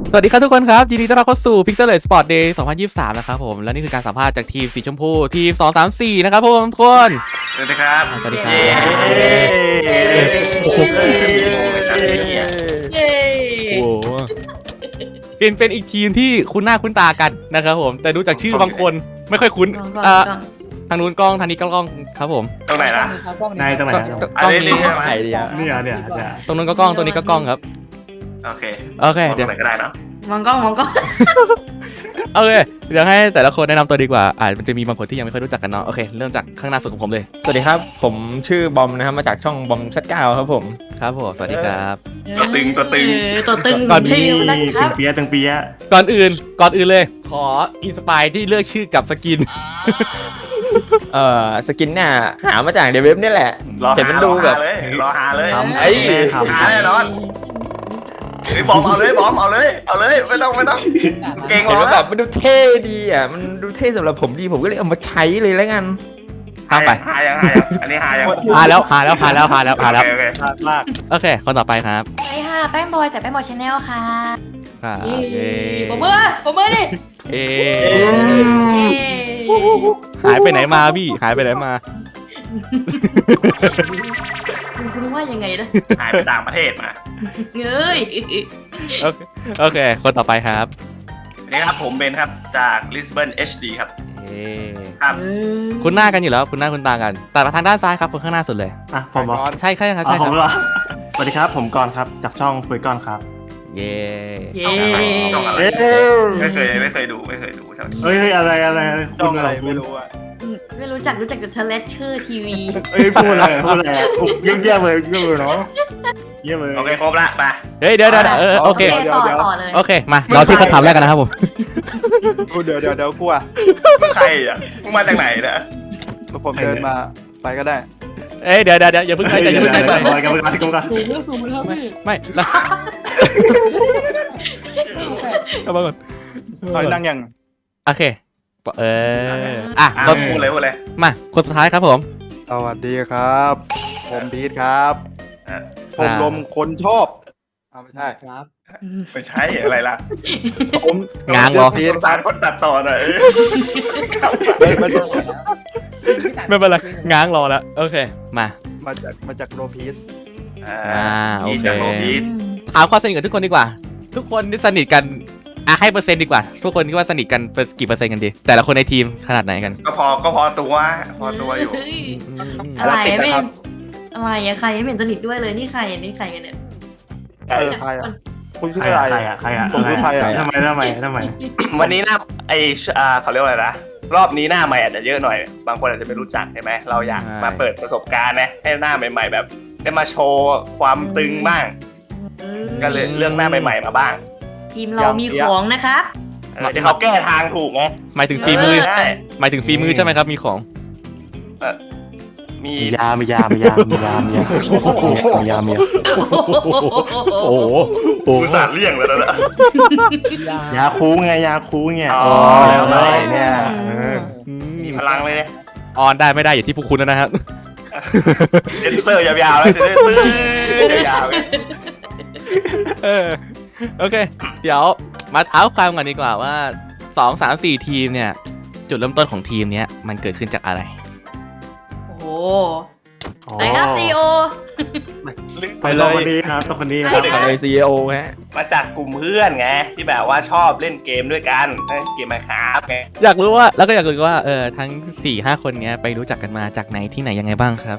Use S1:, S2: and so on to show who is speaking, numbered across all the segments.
S1: สวัสดีครับทุกคนครับยินดีต้อนรับเข้าสู่ Pixel Sport Day 2023นะครับผมและนี่คือการสัมภาษณ์จากทีมสีชมพูทีม2 3 4นะครับผมทุกคน
S2: สวัสดีครับ
S1: สวัสดีครับ
S2: โอ้โห
S3: เย้
S1: โอ้โหเป็นอีกทีมที่คุ้นหน้าคุ้นตากันนะครับผมแต่ดูจากชื่อบางคนไม่ค่อยคุ้น
S3: ก่อน
S1: ทางนู้นกล้องทางนี้กล้องครับผม
S2: ตรงไหนนะ
S4: นายตรงไหน
S1: กล้อง
S2: อันนี้
S1: นี้
S2: ใช่ไหม
S4: ไอเดียเนี่ย
S1: ตรงนู้นก็กล้องตรงนี้ก็กล้องครับ
S2: โอเค
S1: โอเค
S2: ตร
S1: เดี๋ยว
S2: งไหนก็ได้เนาะ
S3: มองกล้อง
S1: โอเคเดี๋ยวให้แต่ละคนแนะนำตัวดีกว่ามันจะมีบางคนที่ยังไม่ค่อยรู้จักกันเนาะโอเคเริ่มจากข้างหน้าสุดของผมเลย
S4: สวัสดีครับผมชื่อบอมนะครับมาจากช่องบอมชัดเก้าครับผม
S1: ครับผมสวัสดีครับ
S2: ตัวตึง
S3: ตัวตึง
S1: ก่อน
S3: เทีมนะครับ
S4: เปียตึงเปีย
S1: ก่อนอื่นเลยขออินสปายที่เลือกชื่อกับสกิน
S4: สกินเนี่ยหามาจากเดเว็บนี่แหละ
S2: รอ
S4: เห็น
S2: หา
S4: มันดูแบบ
S2: รอหาเลย
S4: ไอ้
S2: หาแน่นอนเฮ้ยบอมเอาเลยบอมเอาเลยไม่ต้องเก่ง
S4: เห็น
S2: รอ
S4: ว่าแบบมันดูเท่ดีอ่ะมันดูเท่สำหรับผมดีผมก็เลยเอามาใช้เลยแล้วกัน
S1: ข้ามไป
S2: หายังอันนี้หายัง
S1: พาแล้ว
S2: โอเค
S1: โอเคคนต่อไปครับ
S5: สวัสดีค่ะแป้งบอยจากแป้งบอยชาแนลค่ะ
S1: ครับ
S3: ผมมือดิ
S1: เอ๊
S5: เย้
S1: หายไปไหนมาพี่หายไปไหนมา
S3: คุณว่ายังไงนะ
S2: หายไปต่างประเทศมา
S3: เอ้ย
S1: โอเคคนต่อไปครับ
S2: นี่ครับผมเบนครับจาก Lisbon HD ครับ
S1: เอ๊
S2: ครับ
S1: คุณหน้ากันอยู่แล้วคุณหน้าคุณตากันแต่มาทางด้านซ้ายครับคนข้างหน้าสุดเลย
S6: อ่ะผมเหรอ
S1: ใช่ครับ
S6: อ๋อ
S1: ใช่
S6: ผ
S1: ค
S6: ม
S1: รับ
S6: เหรอสวัสดีครับผมกรณ์ครับจากช่องคุยกรณ์ครับ
S1: เย้
S3: เย้
S2: ต้องอะไร
S6: เอ๊ะ
S2: ไม่เคยดูเท่านี้
S6: เฮ้ยอะไรคุณอะไรไม่รู้
S3: ไม่รู้จักแต่เทเลสชื่อทีวี
S6: เอ้ยพูดอะไรเยี่ยมเลยเนาะเยี่ยมเลย
S2: โอเคครบละไป
S1: เฮ้ยเดี๋ยวโอเค
S3: ต่อเลย
S1: โอเคมาเราที่เขาทำแรกกันนะครับผม
S7: เดี๋ยวกลัว
S2: ใครอ่ะมึงมาจากไหนเนี่ย
S7: ผมเดินมาไปก็ได้
S1: เอ้ยเดี๋ยวอย่าเพิ่งไปอย่าเพิ่งไป
S6: กัน
S3: สูงแล้วพี่
S1: ไม่แล้วเอามาก่อน
S7: ถอยนั่งยัง
S1: โอเคอ่ะ
S2: พูดเลย
S1: มาคนสุดท้ายครับผม
S7: สวัสดีครับ ผมพีทครับ
S2: อ่ะ
S7: ผมลมคนชอบไม่ใช่
S2: ไม่ใช่อะไรล่ะ
S7: ผม
S1: ง้างเหรอ
S2: สงสารคนตัดต่อหน่อย
S7: ไม่ใช่
S1: ไม่เป็นไรง้างรอแล้วโอเคมา
S7: มาจากโรพีส
S1: โอเค
S2: จากโรบีท
S1: ถามความสนิทกับทุกคนดีกว่า ทุกคนที่สนิทกันให้เปอร์เซ็นต์ดีกว่าทุกคนคิดว่าสนิทกันเป็นกี่เปอร์เซ็นต์กันดีแต่ละคนในทีมขนาดไหนกัน
S2: ก็พอตัวอยู่
S3: อะไรไม่อะไรอะใครไม่เห็นสนิทด้วยเลยนี่ใครกันเนี่ย
S7: ใครอ่ะคุณชื่ออะไร
S6: ใครอ่ะ
S7: ผมชื่อใครอ่ะ
S6: ทำไม
S2: วันนี้หน้าเขาเรียกว่าอะไรนะรอบนี้หน้าใหม่อาจจะเยอะหน่อย บางคนอาจจะไม่รู้จักใช่ไหมเราอยากมาเปิดประสบการณ์นะให้หน้าใหม่ๆแบบได้มาโชว์ความตึงบ้างก็เลยเรื่องหน้าใหม่ๆมาบ้าง
S3: ทีมเรามีของนะคะ
S2: เดี๋ยวเขาแก้ทางถูกไง
S1: หมายถึงฝีมือ
S2: ใช่
S1: หมายถึงฝีมือใช่ไหมครับมีของ
S2: มี
S6: มียา
S1: โอ้โห
S2: อุตส่าห์เลี่ยงแล้วนะ
S6: ยาคูไง
S2: อ๋อ
S6: แล้วเนี่ย
S2: มีพลังเลยเนี่ย
S1: ออนได้ไม่ได้อยู่ที่พวกคุณแล้วนะครับ
S2: เซนเซอร์ยาวๆแล้วจะได้ตื้อยาว
S1: โอเค เดี๋ยวมาเท้าความกันดีกว่าว่า2 3 4ทีมเนี่ยจุดเริ่มต้นของทีมเนี้ยมันเกิดขึ้นจากอะไร
S3: โอ้โหไหนครับซีโอ
S6: ไปเลยคนนี้ครับคนนี้ครับ
S4: เลย CEO ฮะ
S2: มาจากกลุ่มเพื่อนไงที่แบบว่าชอบเล่นเกมด้วยกันเล่นเกมมาครับไง
S1: อยากรู้ว่าแล้วก็อยากรู้ว่าทั้ง 4-5 คนเนี้ยไปรู้จักกันมาจากไหนที่ไหนยังไงบ้างครับ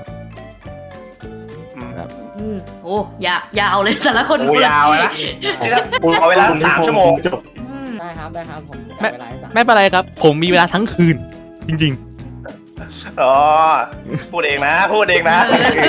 S3: โอ้ยาวเลยแต่ละคน
S2: โอ้ยาวนะนี่ถ้าขอเวลา3 ชั่วโมง
S6: จบ
S8: ได้ครับผม
S1: ไม่เป็นไรครับ ผมมีเวลาทั้งคืน จริง
S2: อ๋อพูดเองนะพูดเองนะ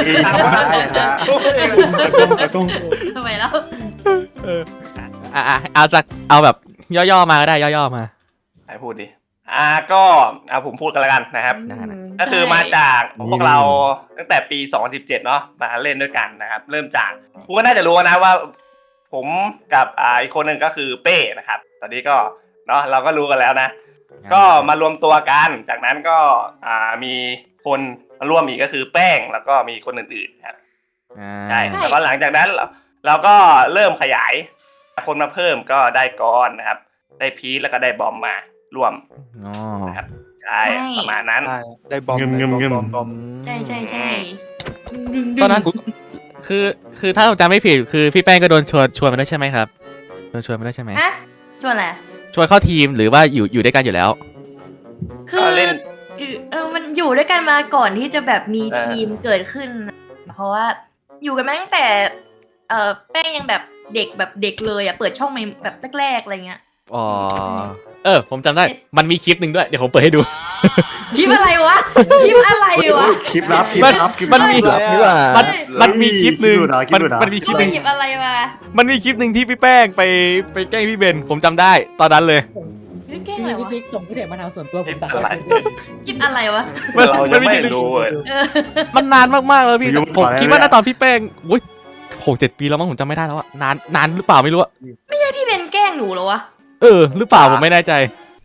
S3: ทำไมแล้ว
S1: ๆเอาแบบย่อๆมาก็ได้ย่อๆมา
S2: ไหนพูดดิก็ผมพูดกันแล้วกันนะครับ ก็คือมาจากพวกเราตั้งแต่ปี 2017 เนาะมาเล่นด้วยกันนะครับ เริ่มจากคุณก็น่าจะรู้นะว่า ผมกับอีกคนหนึ่งก็คือเป้นะครับ ตอนนี้ก็เนาะเราก็รู้กันแล้วนะ ก็มารวมตัวกันจากนั้นก็มีคนมาร่วมอีกก็คือแป้งแล้วก็มีคนอื่นๆครับใช่แล้วก็หลังจากนั้นเราก็เริ่มขยายคนมาเพิ่มก็ได้กอนนะครับได้พีชแล้วก็ได้บอมมาร่วม
S1: อ๋อ
S2: นะครับใช่ประมาณนั้น
S7: ใช่ได้บอม
S6: เงิม
S7: บอม
S3: ใช่ใช่ใช่
S1: ตอนนั้นคือถ้าผมจำไม่ผิดคือพี่แป้งก็โดนชวนมาด้วยใช่ไหมครับโดนชวนมาด้วยใช่ไหม
S3: ฮะชวนอะไร
S1: ชวนเข้าทีมหรือว่าอยู่ด้วยกันอยู่แล้ว
S3: คือ
S2: เล่น
S3: มันอยู่ด้วยกันมาก่อนที่จะแบบมีทีมเกิดขึ้น เพราะว่าอยู่กันมาตั้งแต่แป้งยังแบบเด็กเลยอ่ะเปิดช่องใหม่แบบแรกๆอะไรเงี้ย
S1: อ๋อผมจำได้มันมีคลิปหนึ่งด้วยเดี๋ยวผมเปิดให้ดู
S3: คลิปอะไรวะคลิปอะไรวะ
S6: คลิปลับคลิปลับคลิป
S1: มันมี
S6: ลับ
S4: นี่ว่า
S1: มันมีคลิปหนึ่ง
S6: คลิปดูเหรอคลิปดูเหรอ
S1: มันมีคลิปหนึ่ง
S3: หยิบอะไรมา
S1: มันมีคลิปหนึ่งที่พี่แป้งไปแกล้งพี่เบนผมจำได้ตอนนั้นเลย
S3: เก่งอะไร
S8: พี่
S3: วะ
S8: พิกส่งพี่เถอะมาทางส่วนตัวผมตัด
S2: อะไร
S3: คลิปอะไรวะ
S2: เรายังไม่รู้เลย
S3: เออ
S1: มันนานมากๆแล้วพี่
S6: ยุ่ง
S1: ผม
S6: กว่า
S1: คิดว่า
S6: เลย
S1: น่าตอนพี่แป้งโอ้ย6-7 ปีแล้วมั้งผมจำไม่ได้แล้วอะนานหรือเปล่าไม่รู้อะ
S3: พี่เบนแกล้งหนูเหรอวะ
S1: หรือเปล่าผมไม่แน่ใจ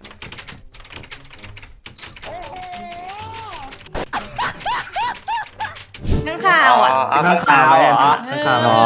S3: ข้างข่าวอ่ะ
S2: เอาข้างข่าวเหรอ
S6: ข้างข่าว
S1: อ๋อ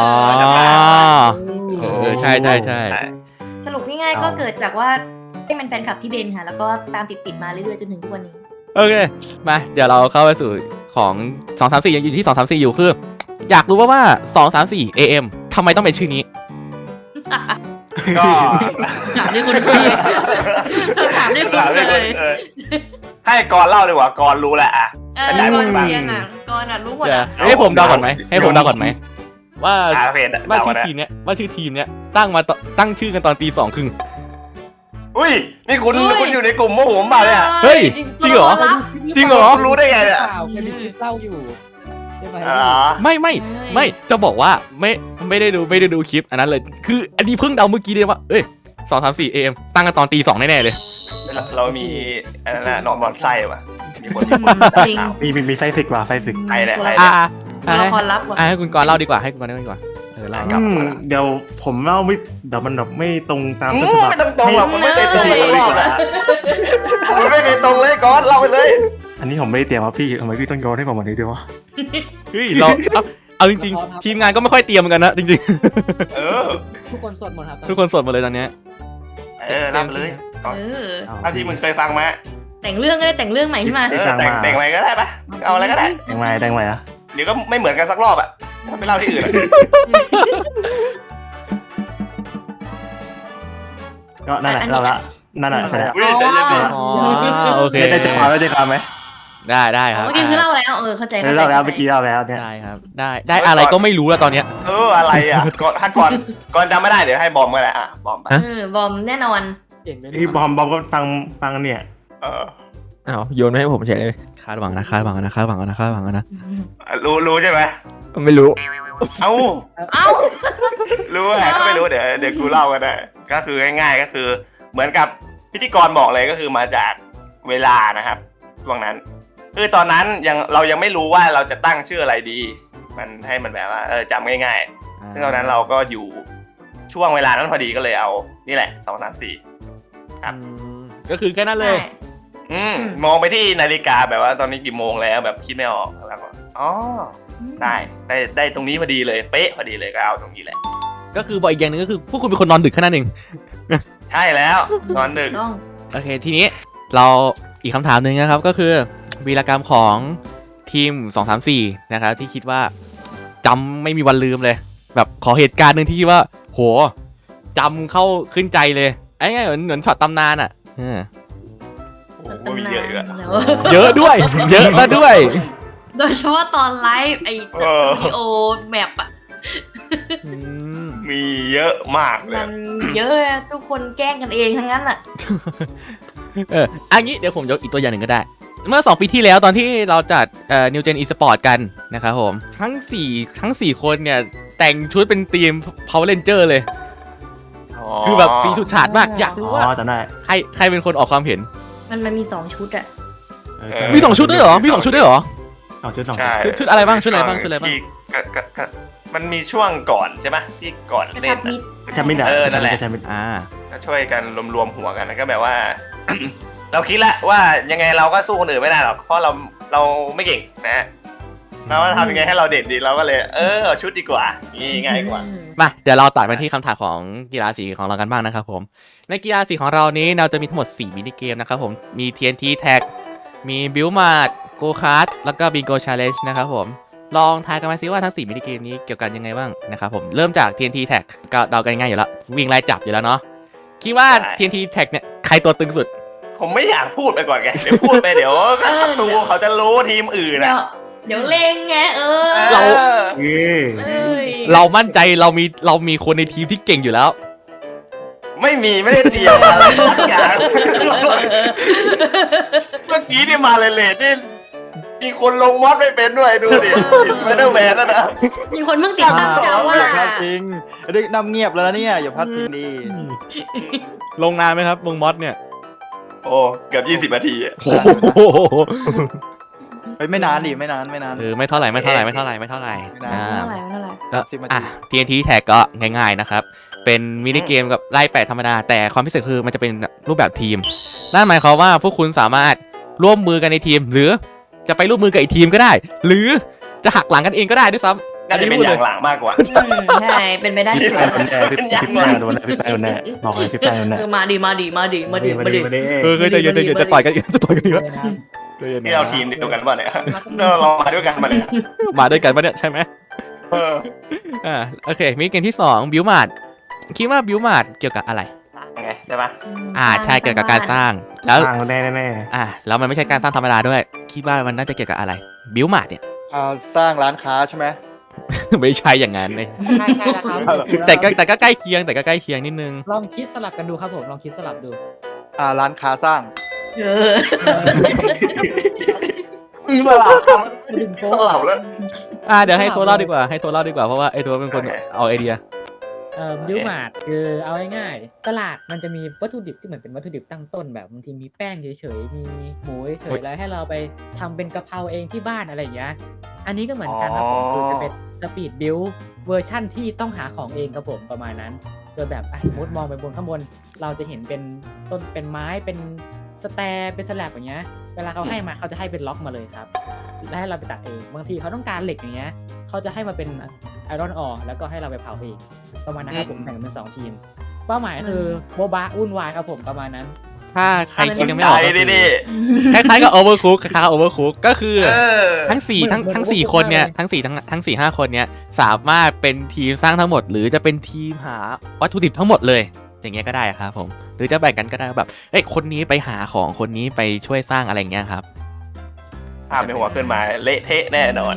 S1: ใช่
S3: สรุปง่ายๆก็เกิดจากว่าให้มันแฟนคลับพี่เบนค่ะ แล้วก็ตามติดมาเรื่อยๆจนถึงทุกวันนี้
S1: โอเคมาเดี๋ยวเราเข้าไปสู่ของ234ยังอยู่ที่234อยู่คืออยากรู้ว่า234 AM ทำไมต้องเป็นชื่อนี้
S2: ก็
S3: ถามด้วยคนเคยถามด้วยคนเคย
S2: ให้กรเล่าดีกว่ากรรู้แหละอ่ะ
S3: ก่อนเรียนอ่ะก่อนอ่ะรู้หมด
S1: เดี๋ยว
S3: อ่ะ
S1: ให้ผมเดาก่อนไหมว่า
S2: โอเค
S1: ว่าชื่อ
S2: เดา
S1: ทีมเนี้ยตั้งชื่อกันตอนตี 2:30
S2: อุ้ยนี่คุณอยู่ในกลุ่มโมโหผมเปล่าเนี่ย
S1: เฮ้ยจริงเหรอ
S3: รับ
S1: จริงเหรอ
S2: คุณรู้ได้ไงเนี่ย
S8: เคยมีคลิปเล่าอยู่ใช่ไหม
S2: อ๋อ
S1: ไม่จะบอกว่าไม่ได้ดูคลิปอันนั้นเลยคืออันนี้เพิ่งเดาเมื่อกี้เลยว่า234 AM ตั้งกันตอนตี 2แน่ๆเลย
S2: เรามีอันนั้นนอนไส้ว่ะมีคน
S3: จริง
S6: มีไส้ศึกว่ะไส้ศึก
S2: ใครเนี่ยใคร
S3: ตัวละครลับว่ะ
S1: ให้คุณกรณ์เล่าดีกว่าเล่า
S6: เดี๋ยวผมเล่าไม่เดี๋ยวมันแบบไม่ตรงตามต้นฉบับ
S2: ไม่ต้องตรงหรอกมันไม่เคยตรงเลยรอบอ่ะมันไม่เคยตรงเลยกรเล่าไปเลย
S6: อันนี้ผมไม่ได้เตรียมครับพี่ทำไมพี่ต้องโยนให้ผมวันนี้ด้วยวะ
S1: เฮ้ยเราเอาจริงๆทีมงานก็ไม่ค่อยเตรียมเหมือนกันนะจริง
S2: เออ
S8: ทุกคนสดหมดครับ
S1: ๆทุกคนสดหมดเลยตอนเนี้ย
S2: เล่าไปเลยกร
S3: เออ
S2: เอาที่มึงเคยฟังมา
S3: แต่งเรื่องก็ได้แต่งเรื่องใหม่ขึ้นมา
S2: แต่งอะไรก็ได้ปะเอาอะไรก็ได้
S6: แดงไว้อะ
S2: เดี๋ยวก็ไม่เหมือนกันสักรอบอ่ะไปเล่าที่อื่น
S6: ก็นั่นแหละเราละนั่นแหละเสร็จแล้ว
S2: อุ้ยใจเย็น
S1: อ๋อโอเค
S6: ได้ใจความไหม
S1: ได้ครับ
S3: เมื่อกี้คือเล่าแล้วเข้าใจ
S6: เล่าแล้วเมื่อกี้เล่าแล้วเนี่ย
S1: ได้ครับได้อะไรก็ไม่รู้แล้วตอนเนี้ย
S2: อะไรอ่ะก่อนจำไม่ได้เดี๋ยวให้บอมก็ได้อ่ะบอมไป
S3: บอมแน่นอน
S8: เก่งไหม
S6: พี่บอมก็ฟังเนี่ย
S4: อ้าวโยนมาให้ผมเฉยเลย
S1: คาดหวังนะ
S2: รู้ใช่ไหม
S4: ไม่รู้
S2: เอ้า
S3: เอ้า
S2: รู้อะไรก็ไม่รู้เดี๋ยวกูเล่าก็ได้ก็คือง่ายๆก็คือเหมือนกับพิธีกรบอกเลยก็คือมาจากเวลานะครับช่วงนั้นคือตอนนั้นเรายังไม่รู้ว่าเราจะตั้งชื่ออะไรดี มันให้มันแบบว่าจำง่ายๆซึ่งตอนนั้นเราก็อยู่ช่วงเวลานั้นพอดีก็เลยเอานี่แหละ234ครับ
S1: ก็คือแค่นั้นเลย
S2: มองไปที่นาฬิกาแบบว่าตอนนี้กี่โมงแล้วแบบคิดไม่ออกแล้วก็อ๋อได้ตรงนี้พอดีเลยเป๊ะพอดีเลยก็เอาตรงนี้แหละ
S1: ก็คือบอกอีกอย่างหนึงก็คือพวกคุณเป็นคนนอนดึกแค่นั้นเอง
S2: ใช่แล้วนอนดึก
S3: ต้อง
S1: โอเคทีนี้เราอีกคำถามหนึ่งนะครับก็คือวีรกรรมของทีม234นะครับที่คิดว่าจำไม่มีวันลืมเลย แบบขอเหตุการณ์หนึ่งที่คิดว่าโหจำเข้าขึ้นใจเลยไอ้ไงเหมือนช็อตตำนานอ่ะ
S2: โอ้โหมีเยอะอีกอะ
S1: เยอะด้วย เยอะแล้วด้วย
S3: โดยเฉพาะตอนไลฟ์ไอ้สตูดิโอแมปอ่ะ
S2: มีเยอะมากเลย
S3: มันเยอะอะทุกคนแกล้งกันเองทั้งนั้นอ่ะ
S1: อันนี้เดี๋ยวผมยกอีกตัวอย่างหนึ่งก็ได้ เมื่อ2 ปีที่แล้วตอนที่เราจัดNew Gen Esport กันนะครับผมทั้ง 4 คนเนี่ยแต่งชุดเป็นทีม Power Ranger เลย คือแบบสีชุดฉาดมากอยากรู้ว่า
S6: จำได้
S1: ใครเป็นคนออกความเห็น
S3: มันมี2ชุดอ่ะ
S1: มี2 ชุดด้วยเหรอมี2 ชุดด้วยเหรอ
S6: เอาชุด
S2: ใช่
S1: ชุดอะไรบ้างชุดอะไรบ้าง
S2: ที่มันมีช่วงก่อนใช่ไหมที่ก่อน
S3: กระ
S2: เล่
S3: ชั
S2: น
S3: บมิด
S6: จำไม่ได้
S2: นั่นแหละ ก็ช่วยกันรวมหัวกันแล้วก็แบบว่า เราคิดแล้วว่ายังไงเราก็สู้คนอื่นไม่ได้หรอกเพราะเราไม่เก่งนะเราว่าทำยังไงให้เราเด่นดีเราก็เลยชุดดีกว่านี่ง่ายกว่า
S1: มาเดี๋ยวเราตัดไปที่คำถามของกีฬาสีของเรากันบ้างนะครับผมในกีฬาสีของเรานี้เราจะมีทั้งหมด4มินิเกมนะครับผมมี TNT Tag มีบิลมาร์โกคาร์ดแล้วก็บิงโกชาเลนจ์นะครับผมลองทายกันมาซิว่าทั้ง4มินิเกมนี้เกี่ยวกันยังไงบ้างนะครับผมเริ่มจาก TNT Tag ก็เดากันง่ายอยู่แล้ววิ่งไล่จับอยู่แล้วเนาะคิดว่า TNT Tag เนี่ยใครตัวตึงสุด
S2: ผมไม่อยากพูดไปก่อนไงเดี๋ยวพูดไปเดี๋ยวศัตรูเขาจะรู้ทีมอื่น
S3: เดี๋ยวเล่งไง
S1: เรา
S3: เรา
S1: มั่นใจเรามีคนในทีมที่เก่งอยู่แล้ว
S2: ไม่ได้เตรียมอะไรทุกอย่างเมื่อกี้นี่มาเลทนี่มีคนลงมอดไม่เป็นด้วยดูดิสไปเดอร์แมนนะ
S3: มีคนเพิ่งติดตามจ้าว่า
S7: อย่าพลาดพิงดึกนำเงียบแล้วนะเนี่ยอย่าพลาดพิงดี
S1: ลงนานไหมครับลงมอสเนี่ย
S2: โอ้เกือบ20 นาที
S1: โอ้โห
S7: ไม่นานดิไม่นาน
S1: ไม่เท่าไหร่อ่า
S3: ไม่เท่าไหร่
S1: ก็
S7: 10 นาที
S1: อ่ะ TNT Tag ก็ง่ายๆนะครับเป็นมินิเกมกับไล่แปะธรรมดาแต่ความพิเศษคือมันจะเป็นรูปแบบทีมนั่นหมายความว่าพวกคุณสามารถร่วมมือกันในทีมหรือจะไปร่วมมือกับอีกทีมก็ได้ หรือจะหักหลังกันเองก็ได้ด้วยซ้ำ
S2: น่าจะเป็นอย่างหลังมากกว่า
S3: ใช่เป็นไปได้
S6: พี่แป้งโดนแน่พี่แป้งโดนแน่บอกเลยพี่แป้งโดนแน่
S3: มาดิ
S1: จะจะต่อยกันจะต่อยกันอีกแล้ว
S2: ที่เราทีมเดียวกันป่ะเนี่ยเรามาด้วยกันมาเนี่ย
S1: มาด้วยกันปะเนี่ยใช่ไหม
S2: เออ
S1: โอเคมินิเกมที่2บิวมาร์ดคิดว่าบิวมาร์ดเกี่ยวกับอะไร
S2: ไงใช่ปะ
S1: ใช่เกี่ยวกับการสร้างแล้ว
S6: สร้างแน่แน่
S1: แล้วมันไม่ใช่การสร้างธรรมดาด้วยคิดว่ามันน่าจะเกี่ยวกับอะไรบิวมาร์ดเนี่ย
S7: สร้างร้านค้าใช่ไหม
S1: ไม่ใช่อย่างนั้นเลย
S8: ใช่แล้วครับ
S1: แต่ก็ใกล้เคียงนิดนึง
S8: ลองคิดสลับกันดูครับผมลองคิดสลับดู
S7: ร้านค้าสร้าง
S2: สลับแล้ว
S1: เดี๋ยวให้โทรเล่าดีกว่าเพราะว่าไอ้โทรเป็นคนเอาไอเดีย
S8: บิวมาร์ทคือเอาง่ายๆตลาดมันจะมีวัตถุดิบที่เหมือนเป็นวัตถุดิบตั้งต้นแบบบางทีมีแป้งเฉยๆมีหมูเฉยๆแล้วให้เราไปทำเป็นกะเพราเองที่บ้านอะไรอย่างเงี้ยอันนี้ก็เหมือนกันครับผมคือจะเป็นสปีดบิวเวอร์ชั่นที่ต้องหาของเองครับผมประมาณนั้นโดยแบบสมมติมองไปบนข้างบนเราจะเห็นเป็นต้นเป็นไม้เป็นสแตร์เป็นสแลบอย่างเงี้ยเวลาเขาให้มาเขาจะให้เป็นล็อกมาเลยครับและให้เราไปตัดเองบางทีเขาต้องการเหล็กอย่างเงี้ยเขาจะให้มาเป็นไอรอนออร์แล้วก็ให้เราไปเผาเองประมาณนั้นครับผมแบ่งเป็น2ทีมเป้าหมายคือโบบะวุ่นวายครับผมประมาณนั้น
S1: ถ้าใครคิดยังไม่ออกก็คือ
S2: ดิ
S1: คล้ายๆกับ Overcook ก็คือทั้ง4คนเนี่ยทั้ง 4-5 คนเนี่ยสามารถเป็นทีมสร้างทั้งหมดหรือจะเป็นทีมหาวัตถุดิบทั้งหมดเลยอย่างเงี้ยก็ได้ครับผมหรือจะแบ่งกันก็ได้แบบคนนี้ไปหาของคนนี้ไปช่วยสร้างอะไรอย่างเงี้ยครับ
S2: ภาพในหัวขึ้นมาเละเทะแน่นอน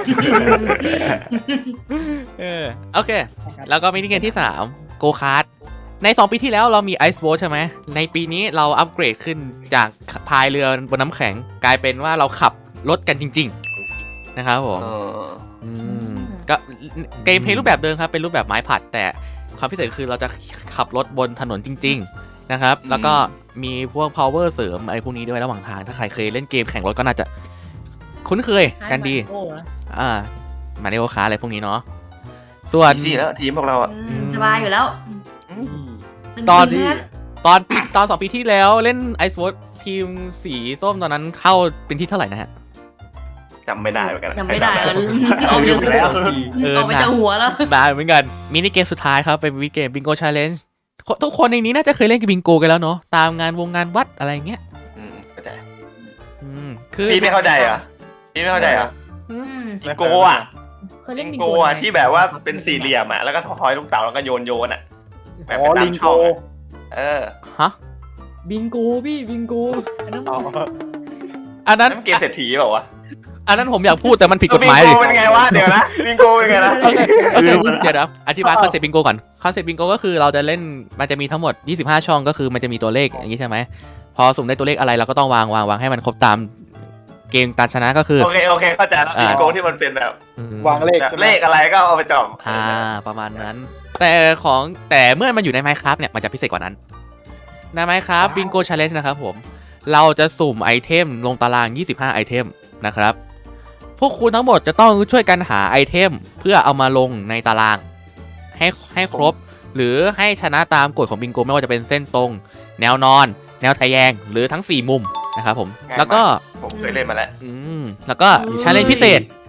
S1: โอเคแล้วก็มินิเกมที่3โกคาร์ดใน2ปีที่แล้วเรามีไอซ์โบ๊ทใช่ไหมในปีนี้เราอัปเกรดขึ้นจากพายเรือบนน้ำแข็งกลายเป็นว่าเราขับรถกันจริงๆนะครับผมก็เกมเพลย์รูปแบบเดิมครับเป็นรูปแบบไม้ผัดแต่ความพิเศษคือเราจะขับรถบนถนนจริงๆนะครับแล้วก็มีพวก power เสริมอะไรพวกนี้ด้วยระหว่างทางถ้าใครเคยเล่นเกมแข่งรถก็น่าจะคุ้นเคยกันดีมาริโอคาร์อะไรพวกนี้เนาะส่วน
S2: สี่แล้วทีมพวกเรา
S3: สบายอยู่แล้ว
S1: ตอน2 ปีที่แล้วเล่นไอซ์โบ๊ททีมสีส้มตอนนั้นเข้าเป็นที่เท่าไหร่นะฮะ
S2: จำไม่ได้เหมือนกัน
S3: จำไม่ได้เอาอยู่แล้วเอาไปจะหัวแล้ว
S1: ได้เหมือนกันมินิเกมสุดท้ายครับเป็นมินิเกมบิงโกชาเลนจ์ทุกคนในนี้น่าจะเคยเล่นกับบิงโกกันแล้วเนาะตามงานวัดอะไรเงี้ย
S2: เข้าใจ
S1: คือ
S2: พี่ไม่เข้าใจเหรอบิงโกอ่ะบิงโกอ่ะที่แบบว่าเป็นสี่เหลี่ยมอ่ะแล้วก็ทอยลูกเต๋าแล้วก็โยนอ่ะแบบเป็นตามช่อง
S1: ฮะ
S8: บิงโกพี่บิงโก
S1: อันนั้น
S2: เกมเศรษฐีเปล่าวะ
S1: อันนั้นผมอยากพูดแต่มันผิดกฎหมาย
S2: บิงโกเป็นไงวะเดี๋ยวนะบิงโกเป็นไงนะ
S1: เดี๋ยวนะอธิบายคอนเซ็ปต์บิงโกก่อนคอนเซ็ปต์บิงโกก็คือเราจะเล่นมันจะมีทั้งหมด25ช่องก็คือมันจะมีตัวเลขอย่างนี้ใช่ไหมพอสุ่มได้ตัวเลขอะไรเราก็ต้องวางให้มันครบตามเกมการชนะก็คือ
S2: โอเคเข้าใจแล้วบิงโกที่มันเป็นแบบ
S7: วางเล
S2: ขอะไรก็เอาไปจอม
S1: ประมาณนั้นแต่เมื่อมันอยู่ใน Minecraft เนี่ยมันจะพิเศษกว่านั้นใน Minecraft Bingo Challenge นะครับผมเราจะสุ่มไอเทมลงตาราง25ไอเทมนะครับพวกคุณทั้งหมดจะต้องช่วยกันหาไอเทมเพื่อเอามาลงในตารางให้ครบหรือให้ชนะตามกฎของบิงโกไม่ว่าจะเป็นเส้นตรงแนวนอนแนวทะแยงหรือทั้ง4มุมนะครับผมแล้วก็
S2: ผมเคยเล่นมาแล้ว
S1: แล้วก็ challenge พิเศษ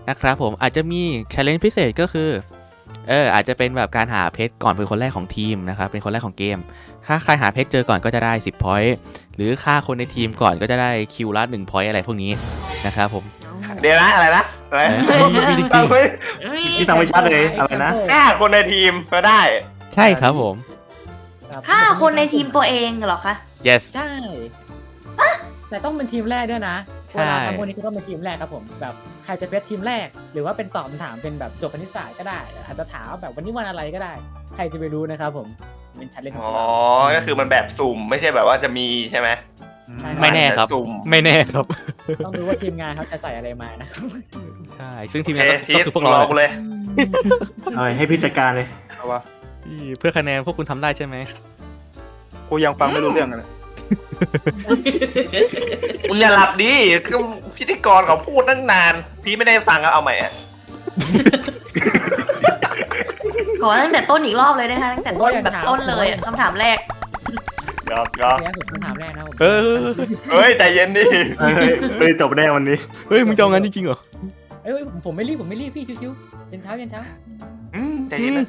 S1: นะครับผมอาจจะมี challenge พิเศษก็คืออาจจะเป็นแบบการหาเพชรก่อนเป็นคนแรกของทีมนะครับเป็นคนแรกของเกมถ้าใครหาเพชรเจอก่อนก็จะได้10 point หรือฆ่าคนในทีมก่อนก็จะได้คิวละ1 point อะไรพวกนี้นะครับผม
S2: เดี๋ยวนะอะไรนะอะไร
S1: มีจริง
S2: ตั้งไม่
S6: ที่ตั้งไม่ชัดเลยอะไรนะ
S2: ฆ่าคนในทีมก็ได้
S1: ๆใช่ครับผม
S8: รับ
S3: ฆ่าคนในทีมตัวเองเหรอคะ
S1: yes
S8: ใช่แต่ต้องเป็นทีมแรกด้วยนะ
S1: ใช่
S8: เวลาทำพวกนี้ก็ต้องเป็นทีมแรกครับผมแบบใครจะเป็นทีมแรก หรือว่าเป็นตอบคำถามเป็นแบบโจทย์คณิตศาสตร์ก็ได้ อาจจะถามแบบวันนี้วันอะไรก็ได้ ใครจะไปรู้นะครับผมเป็นชั้นเล่นของ
S2: อ๋อ
S8: เรา
S2: ก็คือมันแบบสุ่มไม่ใช่แบบว่าจะมีใช่ไหม
S8: ใช่
S1: ไม่แน่ครับ
S2: สุ่ม
S1: ไม่แน่ครับ
S8: ต้องดูว่าทีมงานเขาจะใส่อะไรมานะ
S1: ใช่ซึ่งที
S2: โอ
S1: ม
S2: เค
S1: งาน
S2: พี
S1: ก็
S2: ท
S1: คือพวก
S2: รอ
S1: เรา
S2: กูเลย
S6: เอาให้พี่จัดการเลย
S7: เอาวะ
S1: เพื่อคะแนนพวกคุณทำได้ใช่ไหม
S7: กูยังฟังไม่รู้เรื่องเลย
S2: มึงอย่าหลับดิคือพิธีกรเขาพูดตั้งนาน พี่ไม่ได้ฟังก็เอาใหม่อะ
S3: ขอตั้งแต่ต้นอีกรอบเลยนะคะตั้งแต่ต้นแบบต้นเลยอะคำถามแรก
S2: ยอมยอม
S8: เนี่ยผมคำถามแรกนะผม
S1: เออ
S2: เฮ้ยใจเย็นดิ
S6: เฮ้ยจบแน่วันนี้
S1: เฮ้ยมึงจะเอางั้นจริงๆเหรอ
S8: เอ้ยผมไม่รีบพี่ชิวๆเย็นเช้า
S2: ใจเย็นนะ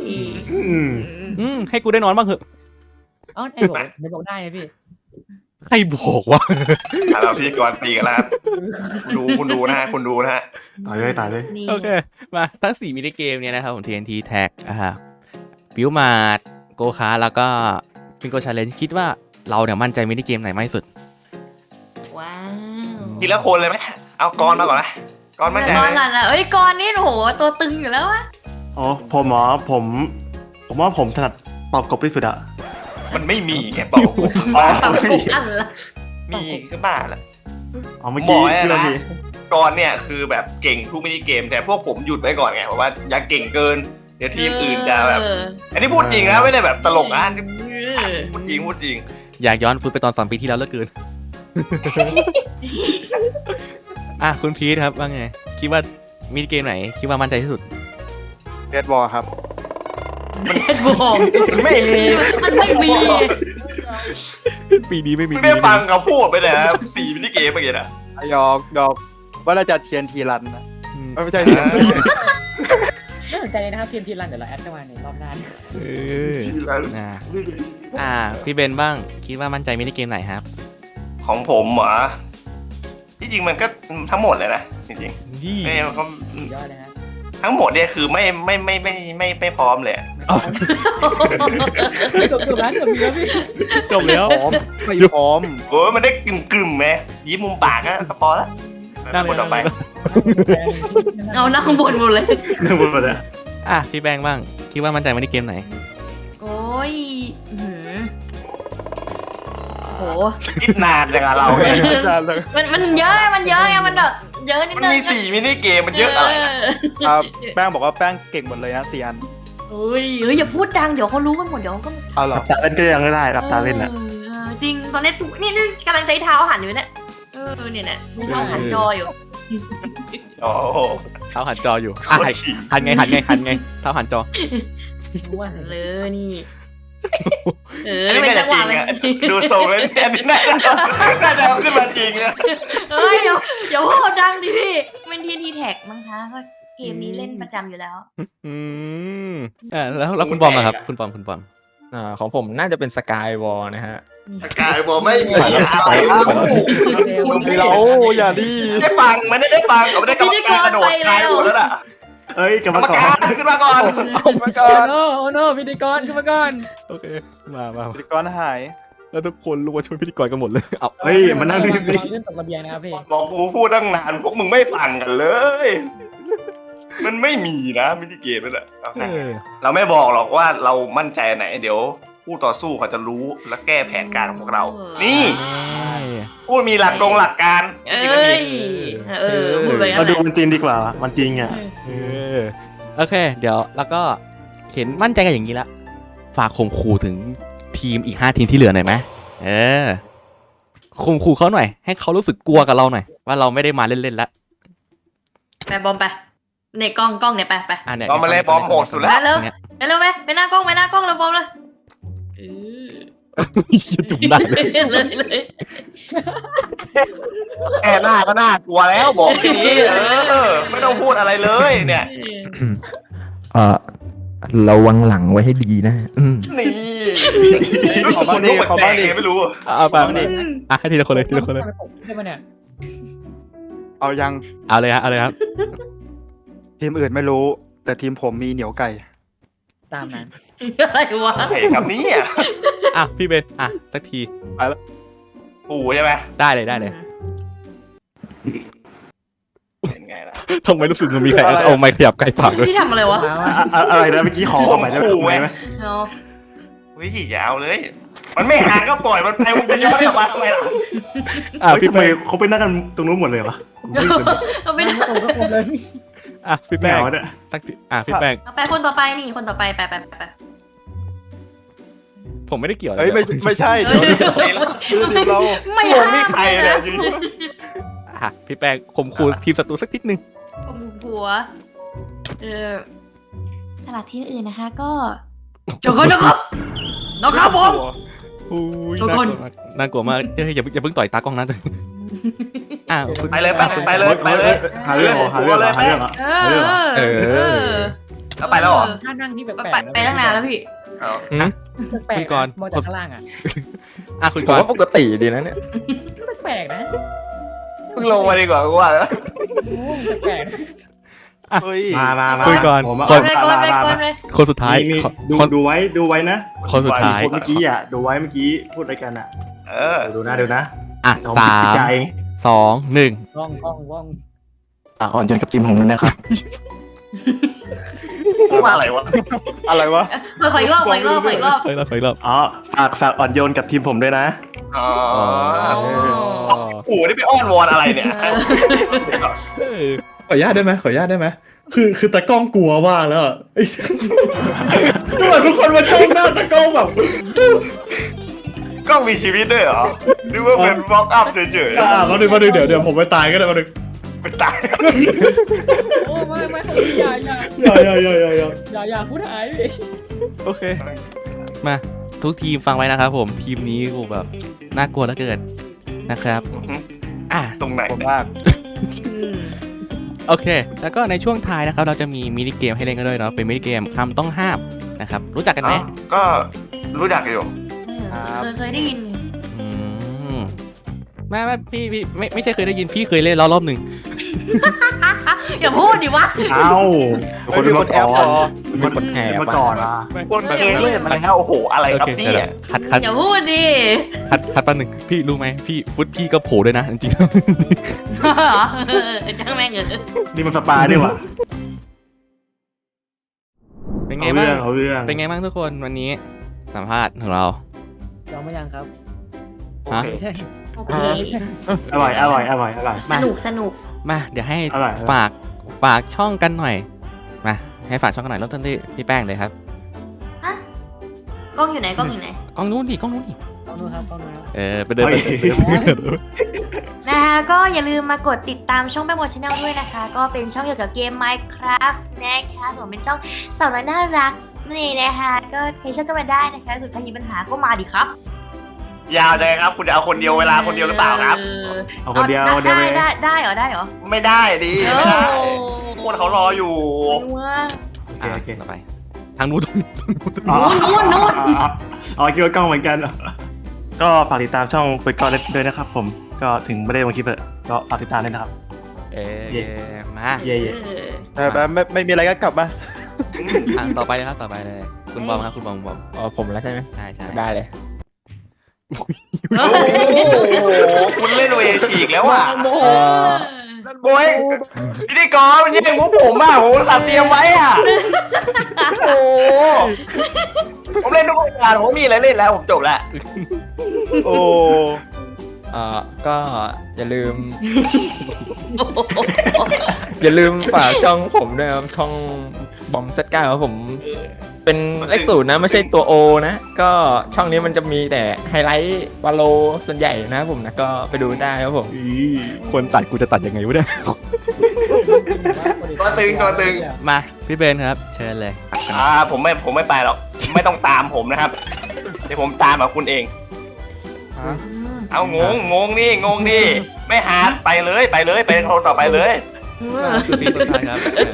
S1: ให้กูได้นอนบ้างเหอะ
S8: อ๋อไอ้บอกได้ไงพี่
S1: ใครบอกว่า
S2: เราพิธีกรตีกันแล้วครับคุณดูนะฮะคุณดูนะฮะ
S6: ตายเลยตายเลย
S3: นี่
S1: โอเค มาทั้ง4มินิเกมเนี่ยนะครับผม TNT Tag บิวมาร์ดโกคาแล้วก็ฟิงโกชาเลนจ์คิดว่าเราเนี่ยมั่นใจมินิเกมไหนมากที่สุด
S3: ว้าว
S2: ทีละคนเลยไหมเอากรมาก่อนนะกรมั่นใจ
S3: ก่อน
S2: ไหม
S3: กันอ่ะเอ้ยก่อนนี่โหตัวตึงอยู่แล้ววะ
S6: อ๋อผมเหรอผมว่าผมถนัดเป่ากบที่สุดอะ
S2: มันไม่มีไงบอกกูบ้า
S3: ตับกบอันละ
S2: มีก็บ้าละ
S6: เอาเมื่อกี้
S2: หมอเนี่ย
S6: ที่เรา
S2: นะ
S6: มี
S2: กรเนี่ยคือแบบเก่งทุกมินิเกม แต่พวกผมหยุดไว้ก่อนไงเพราะว่าอย่าเก่งเกิน เดี๋ยวทีมอื่นจะแบบ อันนี้พูดจริงนะไม่ได้แบบตลกนะพูดจริงพูดจริง
S1: อยากย้อนฟุตไปตอน2 ปีที่แล้วเหลือเกิน คุณพีทครับว่าไง คิดว่ามินิเกมไหน คิดว่ามั่นใจที่สุด
S7: เดดบอลครับ
S3: เบ็ดบอม
S2: ไม่มี
S3: มันไม่มี
S1: ปีนี้ไม่มี
S2: ไม่ได้ฟังเขาพูดไปเลยนะ4มินิเกมเมื่อกี้นะ
S7: ยอกดอกว่าเราจะเทียนทีรันนะ
S1: อืม
S7: ไม่ใช่
S8: น่าสนใจเลยนะครับทีมรันเดี๋ยวเราแอดเข้ามาในรอบหน้า
S1: เออพี่เบนบ้าง คิดว่ามั่นใจมินิเกมไหนครับ
S2: ของผมเหรอที่จริงมันก็ทั้งหมดเลยนะจริง
S1: ยี่
S2: ๆไม่เขา
S8: สุดยอดเลยฮะ
S2: ทั้งหมดเนี่ยคือไม่พร้อมเลย
S8: เกือบแล้วพี่
S1: จบแล้ว
S7: พร้อมไม่พร้อม
S2: โอ้ยมันได้กลึ่มๆไหมยิ้มมุมปากก็พอละ
S1: นั่นเลย
S2: คนต่อไป
S3: เอานั่งบนหมดเลย
S6: เรื่องบนหมดเลย
S1: พี่แบงค์บ้าง คิดว่ามั่นใจมินิเกมไหน
S3: โอ้ยอื้อหือโห
S2: คิดนานจังอะเราเนี่ย
S3: มันเยอะไงมันเยอะไงมันแบบเยอะนิด
S2: มัน
S3: นึง
S2: มี4มินิเกมมันเยอะอะไรนะ
S7: ครับแป้งบอกว่าแป้งเก่งหมดเลยนะ4 อัน
S3: เฮ้ยอย่าพูดดังเดี๋ยวเขารู้กันหมดเดี๋ยวเขาก็
S7: เอาเหร
S6: ห
S7: อ
S6: ลับตาเล่นก็ยังไม่ได้หลับตาเล่นอะ
S3: จริงตอนนี้นี่กำลังใช้เท้าหันอยู่เนี่ยเนี่ยมีเท้าหันจออยู่
S2: โอ้โห
S1: เท้าหันจออยู่
S2: โคตรขี่
S1: หันไงเท้าหันจอ
S3: ว่าเลยนี่
S2: อันนี้
S3: เป็น
S2: น่า
S3: จั
S2: จะ
S3: งห
S2: จริ
S3: วะ
S2: ง
S3: มัน
S2: อะดูทรงแล้วอันนี้น่าจะเอาขึ้นมาจริงอะ
S3: เฮ้ยอย่าพูดดังดิพี่เป็นทีแท็กมั้งคะก็เกมนี้เล่นประจำอยู่แล้ว
S1: แล้วคุณบอมอะครับ คุณบอม
S4: ของผมน่าจะเป็นสกายวอลนะฮะ
S2: กายบอกไม่มีอะไร
S7: เราอย่าดี
S2: ได้ฟังมันได้ฟังเขาไม่ได้กรรมการกระโดดตายหมดแล้วล่ะ
S6: เอ้ยกร
S2: ก
S6: ร
S2: ร
S6: ม
S2: รม
S6: ก
S2: การ
S6: ร
S2: ขึ้นมาก่อน
S7: เอามาก่อน
S8: โอ้โนพิธีกรขึ้นมาก่อน
S1: โอเค มา
S7: พิธีกรหาย
S1: แล้วทุกคนรู้ว่าช่วยพิธีกรกันหมดเลย เอา
S6: เฮ้ยมันนั่งที่
S8: เราเล่นตกระเบียงนะครับพี่
S2: บอกกูพูดตั้งนานพวกมึงไม่ฟังกันเลย มันไม่มีนะมินิเกมนั่นแหละเราไม่บอกหรอกว่าเรามั่นใจไหน เดี๋ยวคู่ต่อสู้เขาจะรู้และแก้แผนการของพวกเรา นี่พูดมีหลักการ
S3: เอ้
S2: จริงไม่มี
S3: ยพูดไปงั้
S6: เรา
S3: นแห
S6: ดู
S3: ละ
S6: มันจริงดีกว่ามันจริงอ่ะ
S1: โอเค เดี๋ยวแล้วก็เห็นมั่นใจกันอย่างนี้ละฝากข่มขู่ถึงทีมอีก5 ทีมที่เหลือหน่อยไหมข่มขู่เขาหน่อย ให้เขารู้สึกกลัวกับเราหน่อย ว่าเราไม่ได้มาเล่นๆแล้ว
S3: ไปบอมไปในกล้องเนี่ยไป
S1: เนี่ย
S2: บอมมาเลยบอมโหดสุดแล้ว
S3: ไปเร็วไปเร็วไปหน้ากล้องแล้วบอมเลย
S1: จุ่มได้เลย
S3: เลย
S2: แค่หน้าก็น่ากลัวแล้วบอกทีนี้ไม่ต้องพูดอะไรเลยเนี่ย
S4: ระวังหลังไว้ให้ดีนะ
S2: นี่
S7: ขอบ้างดิขอบ้างดิ
S2: ไม่รู้
S7: เอาไปดิ
S1: อ่ะให้ทีละคนเลยทีละคนเลย
S8: ใช่ไหมเนี่ย
S7: เอายัง
S1: เอาเลยฮะเอาเลยครับ
S7: ทีมอื่นไม่รู้ แต่ทีมผมมีเหนียวไก่
S8: ตามนั้น
S3: อะไรวะ
S2: ไอ้ครับนี้อ่ะ
S1: อ่ะพี่เบนอ่ะสักที
S2: ปู่ใช่ไหม
S1: ได้เลยได้เลย
S2: เป็นไงล่ะ
S1: ทำไมรู้สึกมันมีใครเอาไม้ขยับใกล้ปากด้วย
S3: พี่ทำอะไรวะ
S6: อะไรนะเมื่อกี้ขอเข้าไปได้ไหม
S3: เนาะ
S2: วิยาวเลย มันไม่หาก็ปล่อยมันไปมึงจะย้อนกลับมาทำไมล่ะ
S1: อ่ะพี่
S6: ทำไม
S1: แป้ง
S6: เขาไปนั่งกันตรงนู้นหมดเลยวะ
S3: เอาไม่ได้
S8: โอ้ก็คงเลย
S1: อ่ะพี่
S6: แม
S1: แป้ง
S6: วเนี่ย
S1: สักทีอ่ะพี่แป้ง
S3: เอาไปคนต่อไปนี่คนต่อไปไป
S1: ผมไม่ได้เกี่ยวอะไร
S7: เฮ้ยไม่ใช่เดี๋ยวทีมเรา
S3: ไม่
S2: ผมมีใครเนี่ยอยู่
S1: อ่ะพี่แป้งข่มขู่ทีมศัตรูสักนิดนึง
S3: กมหัวสลัดที่อื่นนะคะ ก็เจอกันนะครับผม
S1: อุ้ย
S3: ทุกคน
S1: น่ากลัวมากเฮ้ยอย่าเพิ่งต่อยตากล้องนะอ้าวคุณ
S2: ไปเลยไปเลยไปเลย
S6: หาเรื่องเหรอหาเรื่องเหรอหาเรื่องเหรอ
S2: แล้วไปแล้วเหรอ
S8: ถ้านั่งที่แปลกๆ
S3: ไปตั้งนานแล้วพี่
S8: แปลก
S1: คุณกรณ์
S8: มองจากข้างล่างอ่ะ
S1: อ่ะคุณ
S4: ผม
S1: กร
S4: ว่า
S1: ณ์
S4: ปกติดีนะเนี่ย
S8: แปลกๆนะ
S2: เพิ่งลงมาดีกว่ากูว่าแล้ว
S8: โอ้แปลกๆนะ
S7: เฮ้ย
S6: มา
S1: คุยก่อน
S6: ผม
S3: กดเลยกดเลยกดเลย
S1: คนสุดท้าย
S6: มี
S1: คน
S6: ดูไว้นะ
S1: คนสุดท้าย
S6: คนเมื่อกี้อ่ะดูไว้เมื่อกี้พูดอะไรกันอ่ะ ดูนะ
S1: อ่ะ
S6: เอ
S1: สาม
S6: พิจารณเอง
S1: สองหนึ่ง
S8: ว่อง
S4: อ่อนโยนกับทีมของมันนะครับ
S2: พูดว่าอะไรวะ
S7: อะไรวะ
S3: ขออีกรอบ
S1: ไปรอบไปรอบ
S6: อ๋อฝากอ่อนโยนกับทีมผมด้วยนะ
S2: อ๋อ
S3: อ๋อ
S2: ปู่นี่ไปอ้อนวอนอะไรเนี่ย
S1: เออ
S9: ขออนุญาตได้ไหมขออนุญาตได้ไหมคือตากล้องกลัวมากแล้วอะทุกคนมาจ้องหน้าตากล้องแบบ
S2: กล้องมีชีวิตด้วยเหรอหรือว่าเป็นบล็อกอัพเฉย
S9: มาดึงเดี๋ยวผมไปตายก็ได้มาดึง
S2: ๆไปตาย
S8: โอ้ไม่อย่าพูดหายดิ
S1: โอเค มาทุกทีมฟังไว้นะครับผมทีมนี้กูแบบน่ากลัวเหลือเกินนะครับอ่ะ
S2: ตรงไหน
S7: ผมมาก
S1: โอเค แล้วก็ในช่วงท้ายนะครับเราจะมีมินิเกมให้เล่นกันด้วยเนาะเป็นมินิเกมคำต้องห้ามนะครับรู้จักกันไหม
S2: ก็รู้จักอยู่
S3: เคยได้ยิน
S1: อืมไม่พี่ไม่ใช่เคยได้ยินพี่เคยเล่นแล้วรอบหนึ่ง
S3: อย่าพูดดิวะ
S6: เอ้า
S7: คนมีคนแอปเหรอ
S6: มีคนแอบมาก่อนอ่ะ
S2: คนเคยเล่นมาแล้วโอ้โหอะไร
S1: โอ
S2: ครับ
S1: เค
S2: เนี่
S1: เดี๋ยวย คัด
S3: อย่าพูดดิ
S1: แป๊บหนึ่งพี่รู้ไหมพี่ฟุตพี่ก็โผล่ด้วยนะจริง
S3: จ้างแม่ง
S6: นี่มันสปาด้วยวะ
S1: ๆเป็นไง
S6: เอา
S1: บ้า
S6: เรื่อง งเอาเรื่อง
S1: เป็นไงบ้างทุกคนวันนี้สัมภาษณ์ของเรา
S8: ยอมไม่ยังครับ
S1: ฮะ
S8: ไม่ใช่
S3: โอเค
S6: อร่อย
S3: สนุก
S1: มาเดี๋ยวให้
S6: อร่อย
S1: ฝากช่องกันหน่อยมาให้ฝากช่องกันหน่อยเริ่มต้นที่พี่แป้งเลยครับ
S3: ฮะกล้องอยู่ไหน
S1: กล้องนู้นดิ
S8: กล้องนู้นครับ
S1: ไปเดินไป
S3: นะคะก็อย่าลืมมากดติดตามช่องแป้งโมชแนลด้วยนะคะ ก็เป็นช่องเกี่ยวกับเกม Minecraft นะคะผมเป็นช่องสาวน้อยน่ารักนี่นะคะก็ใครชอบก็มาได้นะคะสุดท้ายมีปัญหาก็มาดิครับ
S2: ยาวเลยครับ คุณจะเอาคนเดียวเวลาคนเดียวหรือเปล่าครับ
S6: เอาคนเดียว
S3: ได้เหรอ
S2: ไม่ได้ดิไม่ได้คนเขารออยู่
S3: ว่า
S1: โอเคต่อไปทางนู้น
S3: นู่น
S6: อ๋อคิดว่ากล้องเหมือนกัน ก็ฝากติดตามช่องคุยก่อนด้วยนะครับผมก็ถึงไม่ได้ลงคลิปเลยก็ฝากติดตามด้วยนะครับ
S1: มา
S6: เย่
S7: แต่ไม่มีอะไรก็กลับมา
S1: ต่อไปเลยครับต่อไปเลยคุณบอมครับคุณบอม
S4: อ๋อผมแล้วใช่ไหม
S1: ใช่ใช่
S4: ได้เลย
S2: โอ้โหคุณเล่นเวฉีกแล้วอ่ะโบยพิธีกรมันแย่งมุกผมอ่ะผมตัดเตรียมไว้อ่ะโอ้ผมเล่นทุกรายการผมมีอะไรเล่นแล้วผมจบแล้ว
S7: โอ้
S4: ก็อย่าลืม อย่าลืมฝากช่องผมด้วยครับช่องบอมเซตก้าครับผมเป็นเลข0นะไม่ใช่ตัว O นะก็ช่องนี้มันจะมีแต่ไฮไลท์วาโลส่วนใหญ่นะครับผมนะก็ไปดูได้ครับผม
S1: ควรตัดกูจะตัดยังไงวะเนี่ย
S2: ตัวตึง
S1: มาพี่เบนครับเชิญเลย
S2: ผมไม่ไปหรอกไม่ต้องตามผมนะครับเดี๋ยวผมตามกับคุณเองเอางงนี่ไม่หาไปเลยไปคนต่อไปเลย
S1: คือพี่ต้นชายครับ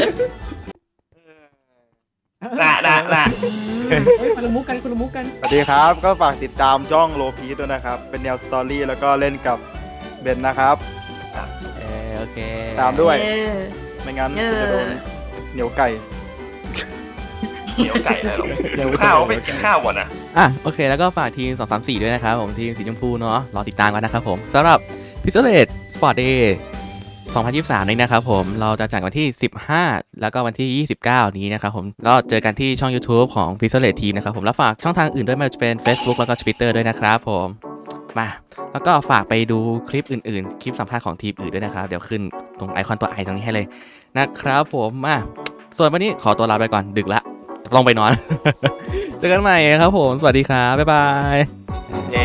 S2: น่ะ
S8: เฮ้ยคนละมุกกัน
S7: สวัสดีครับ ก็ฝากติดตามช่องโลพีด้วยนะครับ เป็นแนวสตอรี่แล้วก็เล่นกับเบนนะครับ
S1: โอเค
S7: ตามด้วย
S3: เออ
S7: ไม่งั้น
S3: เออ
S7: จะโดนเหนียวไก่
S2: เหนียวไก่เลยหรอข้าวไปกินข้าวก่อนนะ
S1: โอเคแล้วก็ฝากทีม234ด้วยนะครับผมทีมสีชมพูเนาะรอติดตามกันนะครับผมสำหรับ Pixelate Sport Day 2023 นี้นะครับผมเราจะจัดวันที่ 15 แล้วก็วันที่ 29 นี้นะครับผมแล้วเจอกันที่ช่อง YouTube ของ Pixelate Team นะครับผมแล้วฝากช่องทางอื่นด้วยไม่ว่าจะเป็น Facebook แล้วก็ Twitter ด้วยนะครับผมมาแล้วก็ฝากไปดูคลิปอื่นๆ คลิปสัมภาษณ์ของทีมอื่นด้วยนะครับเดี๋ยวขึ้นตรงไอคอนตัว I ตรงนี้ให้เลยนะครับผมมาส่วนวันนี้ขอตัวลาไปก่อนดึกละต้องไปนอน เจอกันใหม่ครับผมสวัสดีครับบ๊ายบาย
S2: เย้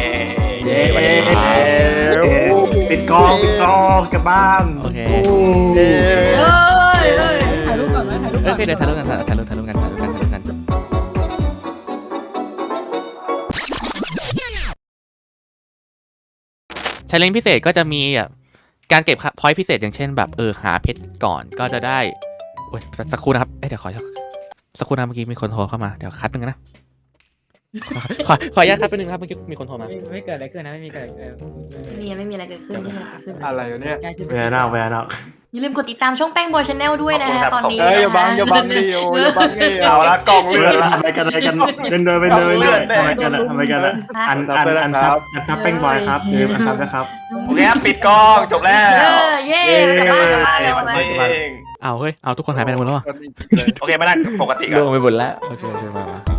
S6: ปิดกล้องกลับบ้าน
S1: โอเค
S8: ถ่ายรูปก่อนไหมถ่ายรูปก่อน
S1: โอเคเดี๋ยวถ่ายรูปกันชาเลนจ์พิเศษก็จะมีแบบการเก็บพอยต์พิเศษอย่างเช่นแบบหาเพชรก่อนก็จะได้โอ้ยสักครู่นะครับเดี๋ยวขอสักครู่นะเมื่อกี้มีคนโทรเข้ามาเดี๋ยวคัดนึงนะขออนุญาตคัดไปนึงนะครับเมื่อกี้มีคนโทรมา
S8: ไม่เกิดอะไรขึ้นนะไม่มีเกิดอะไร
S3: ไม่มีอะไรเกิดขึ้นไม่มีอะไรเกิดขึ้น
S7: อะไรวะเนี่ย
S6: แวร์นอก
S3: อย่าลืมกดติดตามช่องแป้งบอยชาแนลด้วยนะฮะตอนนี้
S7: อย่าบังดิโออย่าบังดิ
S2: เอาละกล่องเลื
S6: เลื่
S2: อ
S6: อน
S2: ด
S6: ทำอะไรกันเดินไปเดินทำอะไรกันอะอันซับแป้งบอยครับลืมอันซับนะครับ
S2: โอเคครับปิดกล้องจบแล้ว
S3: เย้กลับบ้านแล้ว
S2: วันนี้เอง
S1: เอาเฮ้ยเอาทุกคนหายไปไหนหมดแล้วอะ
S2: โอเคมานั่งปกติกัน
S4: ลงไปหมดแล้ว
S1: โอเคมา